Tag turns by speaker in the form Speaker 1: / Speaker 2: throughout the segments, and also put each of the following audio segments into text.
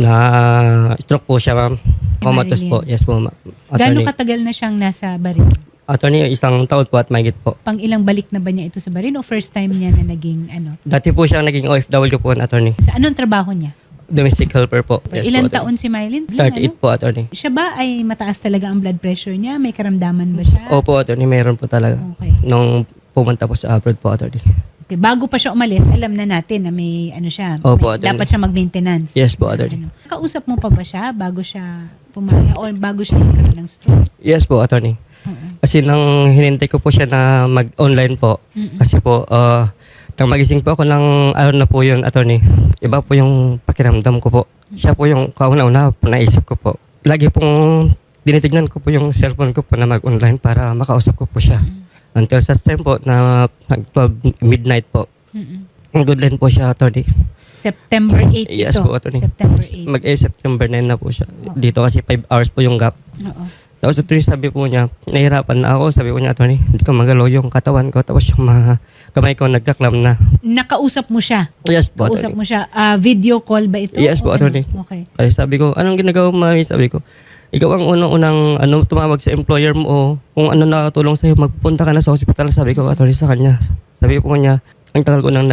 Speaker 1: Na-stroke po siya, ma'am. Comatose po. Yes po, ma'am.
Speaker 2: Gaano katagal na siyang nasa Barin?
Speaker 1: Attorney, 1 taon po at mahigit po.
Speaker 2: Pang ilang balik na ba niya ito sa Barin o first time niya na naging ano?
Speaker 1: Dati po siya naging OFW po, attorney.
Speaker 2: Sa anong trabaho niya?
Speaker 1: Domestic helper po. Yes
Speaker 2: Ilan
Speaker 1: po,
Speaker 2: taon si Marilyn?
Speaker 1: 38 po, attorney.
Speaker 2: Siya ba ay mataas talaga ang blood pressure niya? May karamdaman ba siya?
Speaker 1: Opo, attorney. Meron po talaga.
Speaker 2: Okay.
Speaker 1: Nung pumunta po sa abroad po, attorney.
Speaker 2: Okay. Bago pa siya umalis, alam na natin na may ano siya.
Speaker 1: Opo,
Speaker 2: May, dapat siya mag-maintenance.
Speaker 1: Yes po, attorney.
Speaker 2: Ano. Kausap mo pa ba siya bago siya pumaya o bago siya nagkaroon ng stroke?
Speaker 1: Yes po, attorney. Kasi nang hinintay ko po siya na mag-online po. Kasi po, nang magising po ako ng araw na po yun, attorney. Iba po yung pakiramdam ko po. Siya po yung kauna-una po naisip ko po. Lagi pong dinitignan ko po yung cellphone ko po na mag-online para makausap ko po siya. Until sa time po na 12 midnight po. Ang good line po siya, attorney.
Speaker 2: September 8
Speaker 1: Yes
Speaker 2: ito.
Speaker 1: po, attorney.
Speaker 2: September 8.
Speaker 1: September 9 na po siya. Dito kasi 5 hours po yung gap.
Speaker 2: Oo.
Speaker 1: Tapos attorney, sabi po niya, nahihirapan na ako. Sabi ko niya, attorney, hindi ko magalaw yung katawan ko. Tapos yung mga kamay ko nagkaklam na.
Speaker 2: Nakausap mo siya?
Speaker 1: Yes po,
Speaker 2: Kausap
Speaker 1: attorney.
Speaker 2: mo siya. Video call ba ito?
Speaker 1: Yes po,
Speaker 2: O ano?
Speaker 1: attorney.
Speaker 2: Okay.
Speaker 1: Kasi sabi ko, anong ginagawa mo, mami? Sabi ko, ikaw ang unang-unang tumawag sa employer mo o kung ano nakatulong sa'yo, magpunta ka na sa hospital. Sabi ko, attorney, sa kanya. Sabi po niya, ang tagal ko nang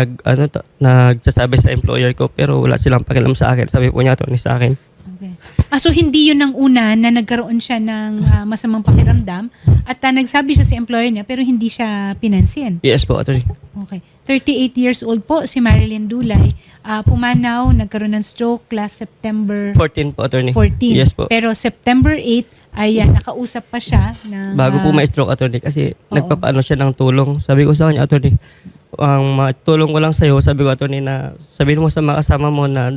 Speaker 1: nagsasabi sa employer ko pero wala silang pakialam sa akin. Sabi po niya, attorney, sa akin.
Speaker 2: Okay. So hindi yun ang una na nagkaroon siya ng masamang pakiramdam at nagsabi siya sa employer niya pero hindi siya pinansin.
Speaker 1: Yes po, attorney.
Speaker 2: Okay. 38 years old po si Marilyn Dulay. Pumanaw, nagkaroon ng stroke last September
Speaker 1: 14 po, attorney.
Speaker 2: 14.
Speaker 1: Yes po.
Speaker 2: Pero September 8 ay nakausap pa siya ng
Speaker 1: Bago po ma-stroke, attorney, kasi
Speaker 2: Oo.
Speaker 1: nagpapaano siya ng tulong. Sabi ko sa kanya, attorney, ang matulong ko lang sa'yo, sabi ko, attorney, na sabihin mo sa mga kasama mo na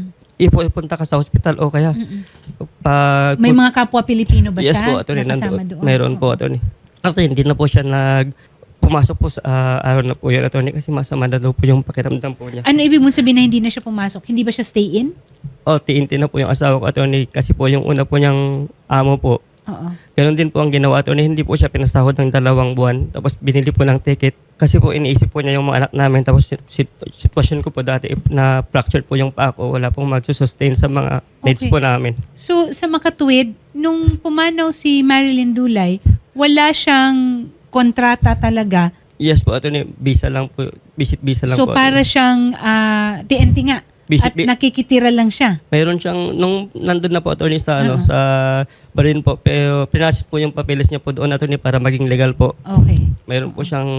Speaker 1: ipunta ka sa hospital o kaya pag...
Speaker 2: May mga kapwa Pilipino ba
Speaker 1: Yes
Speaker 2: siya?
Speaker 1: po, attorney,
Speaker 2: na kasama
Speaker 1: nandoon.
Speaker 2: doon?
Speaker 1: Meron po,
Speaker 2: Oo.
Speaker 1: attorney. Kasi hindi na po siya pumasok po sa araw na po yun, attorney, kasi masama na daw po yung pakiramdam po niya.
Speaker 2: Ano ibig mong sabihin na hindi na siya pumasok? Hindi ba siya stay in?
Speaker 1: O, TNT na po yung asawa ko, attorney, kasi po yung una po niyang amo po.
Speaker 2: Oo.
Speaker 1: Ganun din po ang ginawa, attorney. Hindi po siya pinasahod ng 2 buwan. Tapos binili po ng ticket. Kasi po iniisip po niya yung mga anak namin. Tapos sitwasyon ko po dati na fractured po yung paa ko. Wala pong magsusustain sa mga needs
Speaker 2: Okay.
Speaker 1: po namin.
Speaker 2: So, sa makatuwid, nung pumanaw si Marilyn Dulay, wala siyang kontrata talaga.
Speaker 1: Yes po, attorney. Visa lang po. Visit visa lang
Speaker 2: So,
Speaker 1: po.
Speaker 2: para
Speaker 1: attorney.
Speaker 2: siyang TNT nga.
Speaker 1: Visit
Speaker 2: At nakikitira lang siya.
Speaker 1: Mayroon siyang, nung nandun na po, attorney, sa,
Speaker 2: Uh-huh.
Speaker 1: sa Barin po. Pero pinasis po yung papeles niya po doon, attorney, para maging legal po.
Speaker 2: Okay.
Speaker 1: Mayroon po siyang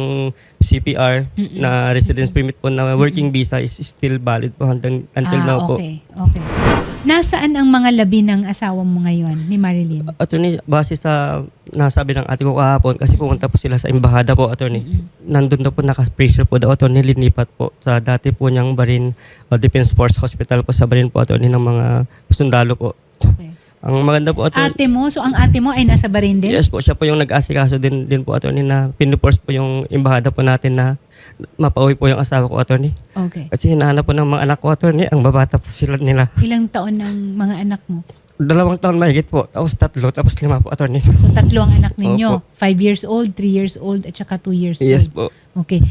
Speaker 1: CPR na residence permit po na working visa is still valid po until now po.
Speaker 2: Okay. Okay. Nasaan ang mga labi ng asawa mo ngayon ni Marilyn?
Speaker 1: Attorney, base sa nasabi ng ate ko kahapon, kasi pumunta po sila sa embahada po, attorney. Nandun daw po naka-pressure po daw, attorney, linipat po sa dati po niyang Barin Defense Force Hospital po sa Barin po, attorney, ng mga sundalo po.
Speaker 2: Okay.
Speaker 1: Ang maganda po, attorney.
Speaker 2: Ate mo, so ang ate mo ay nasa Barin din?
Speaker 1: Yes po, siya po yung nag-asikaso din po, attorney, na pinuforce po yung embahada po natin na mapauwi po yung asawa ko, attorney.
Speaker 2: Okay.
Speaker 1: Kasi hinahanap po ng mga anak ko, attorney, ang babata po sila nila.
Speaker 2: Ilang taon ng mga anak mo?
Speaker 1: 2 taon mahigit po, tapos 3, tapos 5 po, attorney.
Speaker 2: So, 3 ang anak ninyo.
Speaker 1: Opo.
Speaker 2: 5 years old, 3 years old, at saka 2 years
Speaker 1: Yes
Speaker 2: old.
Speaker 1: po.
Speaker 2: Okay.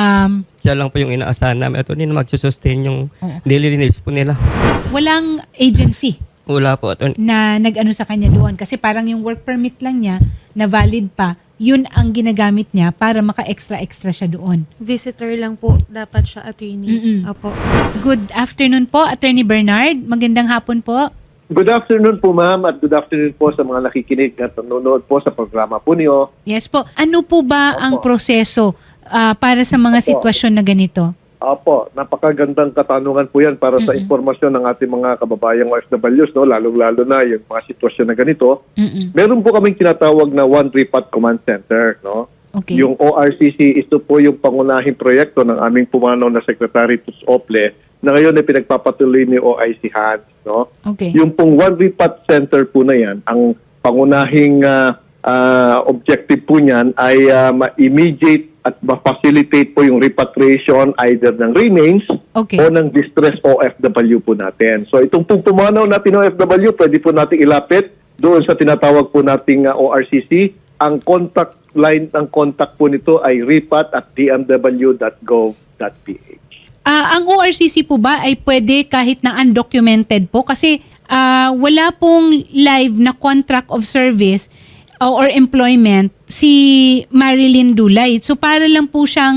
Speaker 1: Siya lang po yung inaasahan namin, attorney, na magsusustain yung
Speaker 2: Oo.
Speaker 1: daily needs po nila.
Speaker 2: Walang agency
Speaker 1: Wala po, attorney.
Speaker 2: na nag-ano sa kanya doon. Kasi parang yung work permit lang niya, na valid pa, yun ang ginagamit niya para maka-extra-extra siya doon.
Speaker 3: Visitor lang po dapat siya, attorney. Apo.
Speaker 2: Good afternoon po, Attorney Bernard. Magandang hapon po.
Speaker 4: Good afternoon po, ma'am, at good afternoon po sa mga nakikinig at nanonood po sa programa po niyo.
Speaker 2: Yes po. Ano po ba ang
Speaker 4: Opo.
Speaker 2: proseso para sa mga
Speaker 4: Opo.
Speaker 2: sitwasyon na ganito?
Speaker 4: Opo, napakagandang katanungan po yan para sa informasyon ng ating mga kababayang OFWs, no? Lalo-lalo na yung mga sitwasyon na ganito. Meron po kaming tinatawag na One Repot Command Center, no?
Speaker 2: Okay.
Speaker 4: Yung ORCC, ito po yung pangunahing proyekto ng aming pumanaw na Secretary Tus Ople na ngayon ay pinagpapatuloy ni OIC Hans, no?
Speaker 2: Okay.
Speaker 4: Yung pong One Repot Center po na yan, ang pangunahing objective po niyan ay ma-immediate at ma-facilitate po yung repatriation either ng remains
Speaker 2: Okay.
Speaker 4: o ng distress OFW po natin. So itong pong pumanaw natin OFW, pwede po natin ilapit doon sa tinatawag po nating ORCC. Ang contact line ng contact po nito ay repat@dmw.gov.ph.
Speaker 2: Ang ORCC po ba ay pwede kahit na undocumented po? Kasi wala pong live na contract of service or employment si Marilyn Dulay. So para lang po siyang,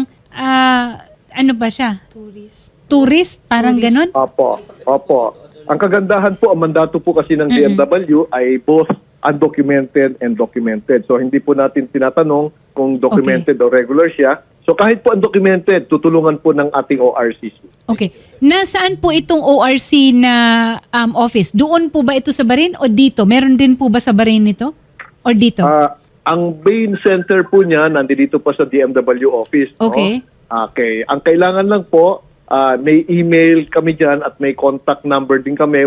Speaker 2: ano ba siya? Tourist? Parang ganun?
Speaker 4: Opo. Ang kagandahan po, ang mandato po kasi ng DMW ay both undocumented and documented. So hindi po natin tinatanong kung documented o regular siya. So kahit po undocumented, tutulungan po ng ating ORCC.
Speaker 2: Okay. Nasaan po itong ORC na office? Doon po ba ito sa Bahrain o dito? Meron din po ba sa Bahrain nito? Or dito?
Speaker 4: Ang main center po niya, nandito pa sa DMW office.
Speaker 2: Okay.
Speaker 4: No? Okay. Ang kailangan lang po, may email kami dyan at may contact number din kami,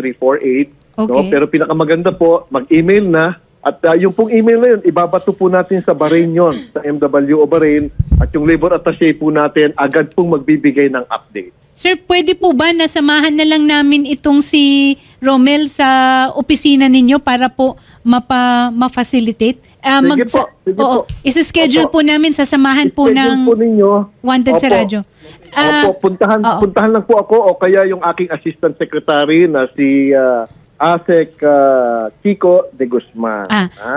Speaker 4: 1348.
Speaker 2: Okay.
Speaker 4: No? Pero pinakamaganda po, mag-email na. At yung pong email na yun, ibabato po natin sa Bahrain yon, sa MWO Bahrain. At yung labor attaché po natin, agad pong magbibigay ng update.
Speaker 2: Sir, pwede po ba nasamahan na lang namin itong si Romel sa opisina ninyo para po ma-facilitate?
Speaker 4: Sige po.
Speaker 2: Isa-schedule
Speaker 4: Opo.
Speaker 2: po namin, sasamahan po
Speaker 4: Schedule
Speaker 2: ng
Speaker 4: po ninyo.
Speaker 2: Wanted sa
Speaker 4: Opo.
Speaker 2: radyo.
Speaker 4: Puntahan lang po ako o kaya yung aking assistant secretary na si Asek Chico de Guzman.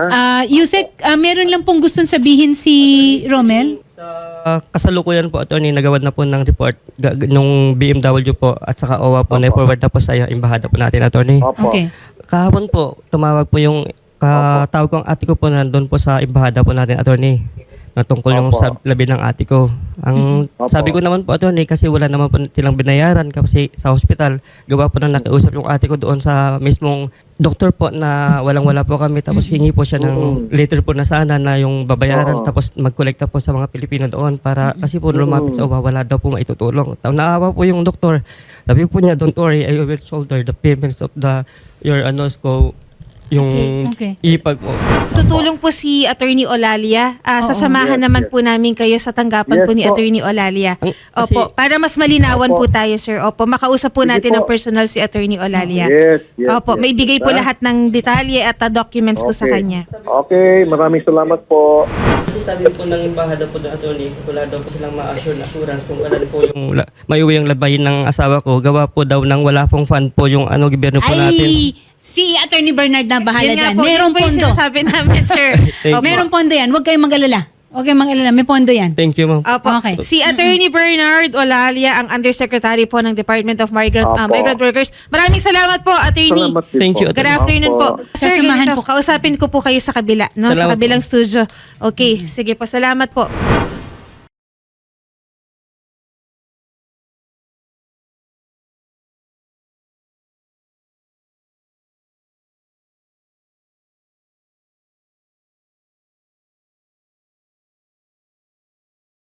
Speaker 2: Yusek, meron lang pong gustong sabihin si Romel?
Speaker 1: Sa kasalukuyan po, attorney, nagawad na po ng report nung BMW po at saka OWA po, na-forward na po sa embahada po natin, attorney.
Speaker 4: Opo.
Speaker 2: Okay.
Speaker 1: Kahapon po, tumawag po yung katawag ko ang ate ko po nandun po sa embahada po natin, attorney, na tungkol yung
Speaker 4: Opo.
Speaker 1: sa labi ng ate ko. Ang
Speaker 4: Opo.
Speaker 1: sabi ko naman po, attorney, kasi wala naman po silang binayaran kasi sa hospital, gawa po na nakiusap yung ate ko doon sa mismong doktor po na walang-wala po kami. Tapos hingi po siya ng letter po na sana na yung babayaran.
Speaker 4: Oo.
Speaker 1: Tapos magkolekta po sa mga Pilipino doon para kasi po lumapit sa OWA, wala daw po maitutulong. Naawa po yung doktor. Sabi po niya, don't worry, I will shoulder the payments of your yung
Speaker 2: Okay.
Speaker 1: ipag mo.
Speaker 3: Tutulong po si Attorney Olalia. Sasamahan
Speaker 4: Yes,
Speaker 3: naman
Speaker 4: yes.
Speaker 3: po namin kayo sa tanggapan
Speaker 4: Yes
Speaker 3: po ni
Speaker 4: po.
Speaker 3: Attorney Olalia.
Speaker 1: Kasi-
Speaker 3: Opo, para mas malinawan
Speaker 4: Opo.
Speaker 3: po tayo, sir. Opo, makausap po
Speaker 4: Sige
Speaker 3: natin
Speaker 4: po.
Speaker 3: ng personal si Attorney Olalia.
Speaker 4: Yes.
Speaker 3: Opo, may bigay po
Speaker 4: Ha?
Speaker 3: lahat ng detalye at documents po sa
Speaker 4: Okay.
Speaker 3: kanya.
Speaker 4: Okay, maraming salamat po.
Speaker 1: Kasi sabi po ng embahada po ng attorney, wala daw po silang ma-assure na assurance kung kailan po yung maiuwi ang labayin ng asawa ko. Gawa po daw ng wala pong fund po yung gobyerno po natin.
Speaker 2: Ay, si Attorney Bernard na bahala
Speaker 3: Yun nga
Speaker 2: dyan.
Speaker 3: po,
Speaker 2: Merong
Speaker 3: yun po yung
Speaker 2: pondo.
Speaker 3: sinasabi namin, sir.
Speaker 1: Thank
Speaker 3: Opo.
Speaker 2: Merong pondo yan. Huwag kayong mag-alala. Huwag kayong mag-alala. May pondo yan.
Speaker 1: Thank you, ma'am.
Speaker 3: Opo.
Speaker 2: Okay.
Speaker 3: Si Attorney Bernard Olalia, ang Undersecretary po ng Department of Migrant
Speaker 4: Opo.
Speaker 3: Workers. Maraming salamat po, Attorney.
Speaker 4: Salamat din
Speaker 1: Thank
Speaker 4: po.
Speaker 1: you.
Speaker 3: Good afternoon po. Sir,
Speaker 2: Sasamahan
Speaker 3: ganito,
Speaker 2: po.
Speaker 3: kausapin ko po kayo sa kabila, no? Sa
Speaker 1: Salamat
Speaker 3: kabilang
Speaker 1: po.
Speaker 3: studio. Okay, sige po. Salamat po.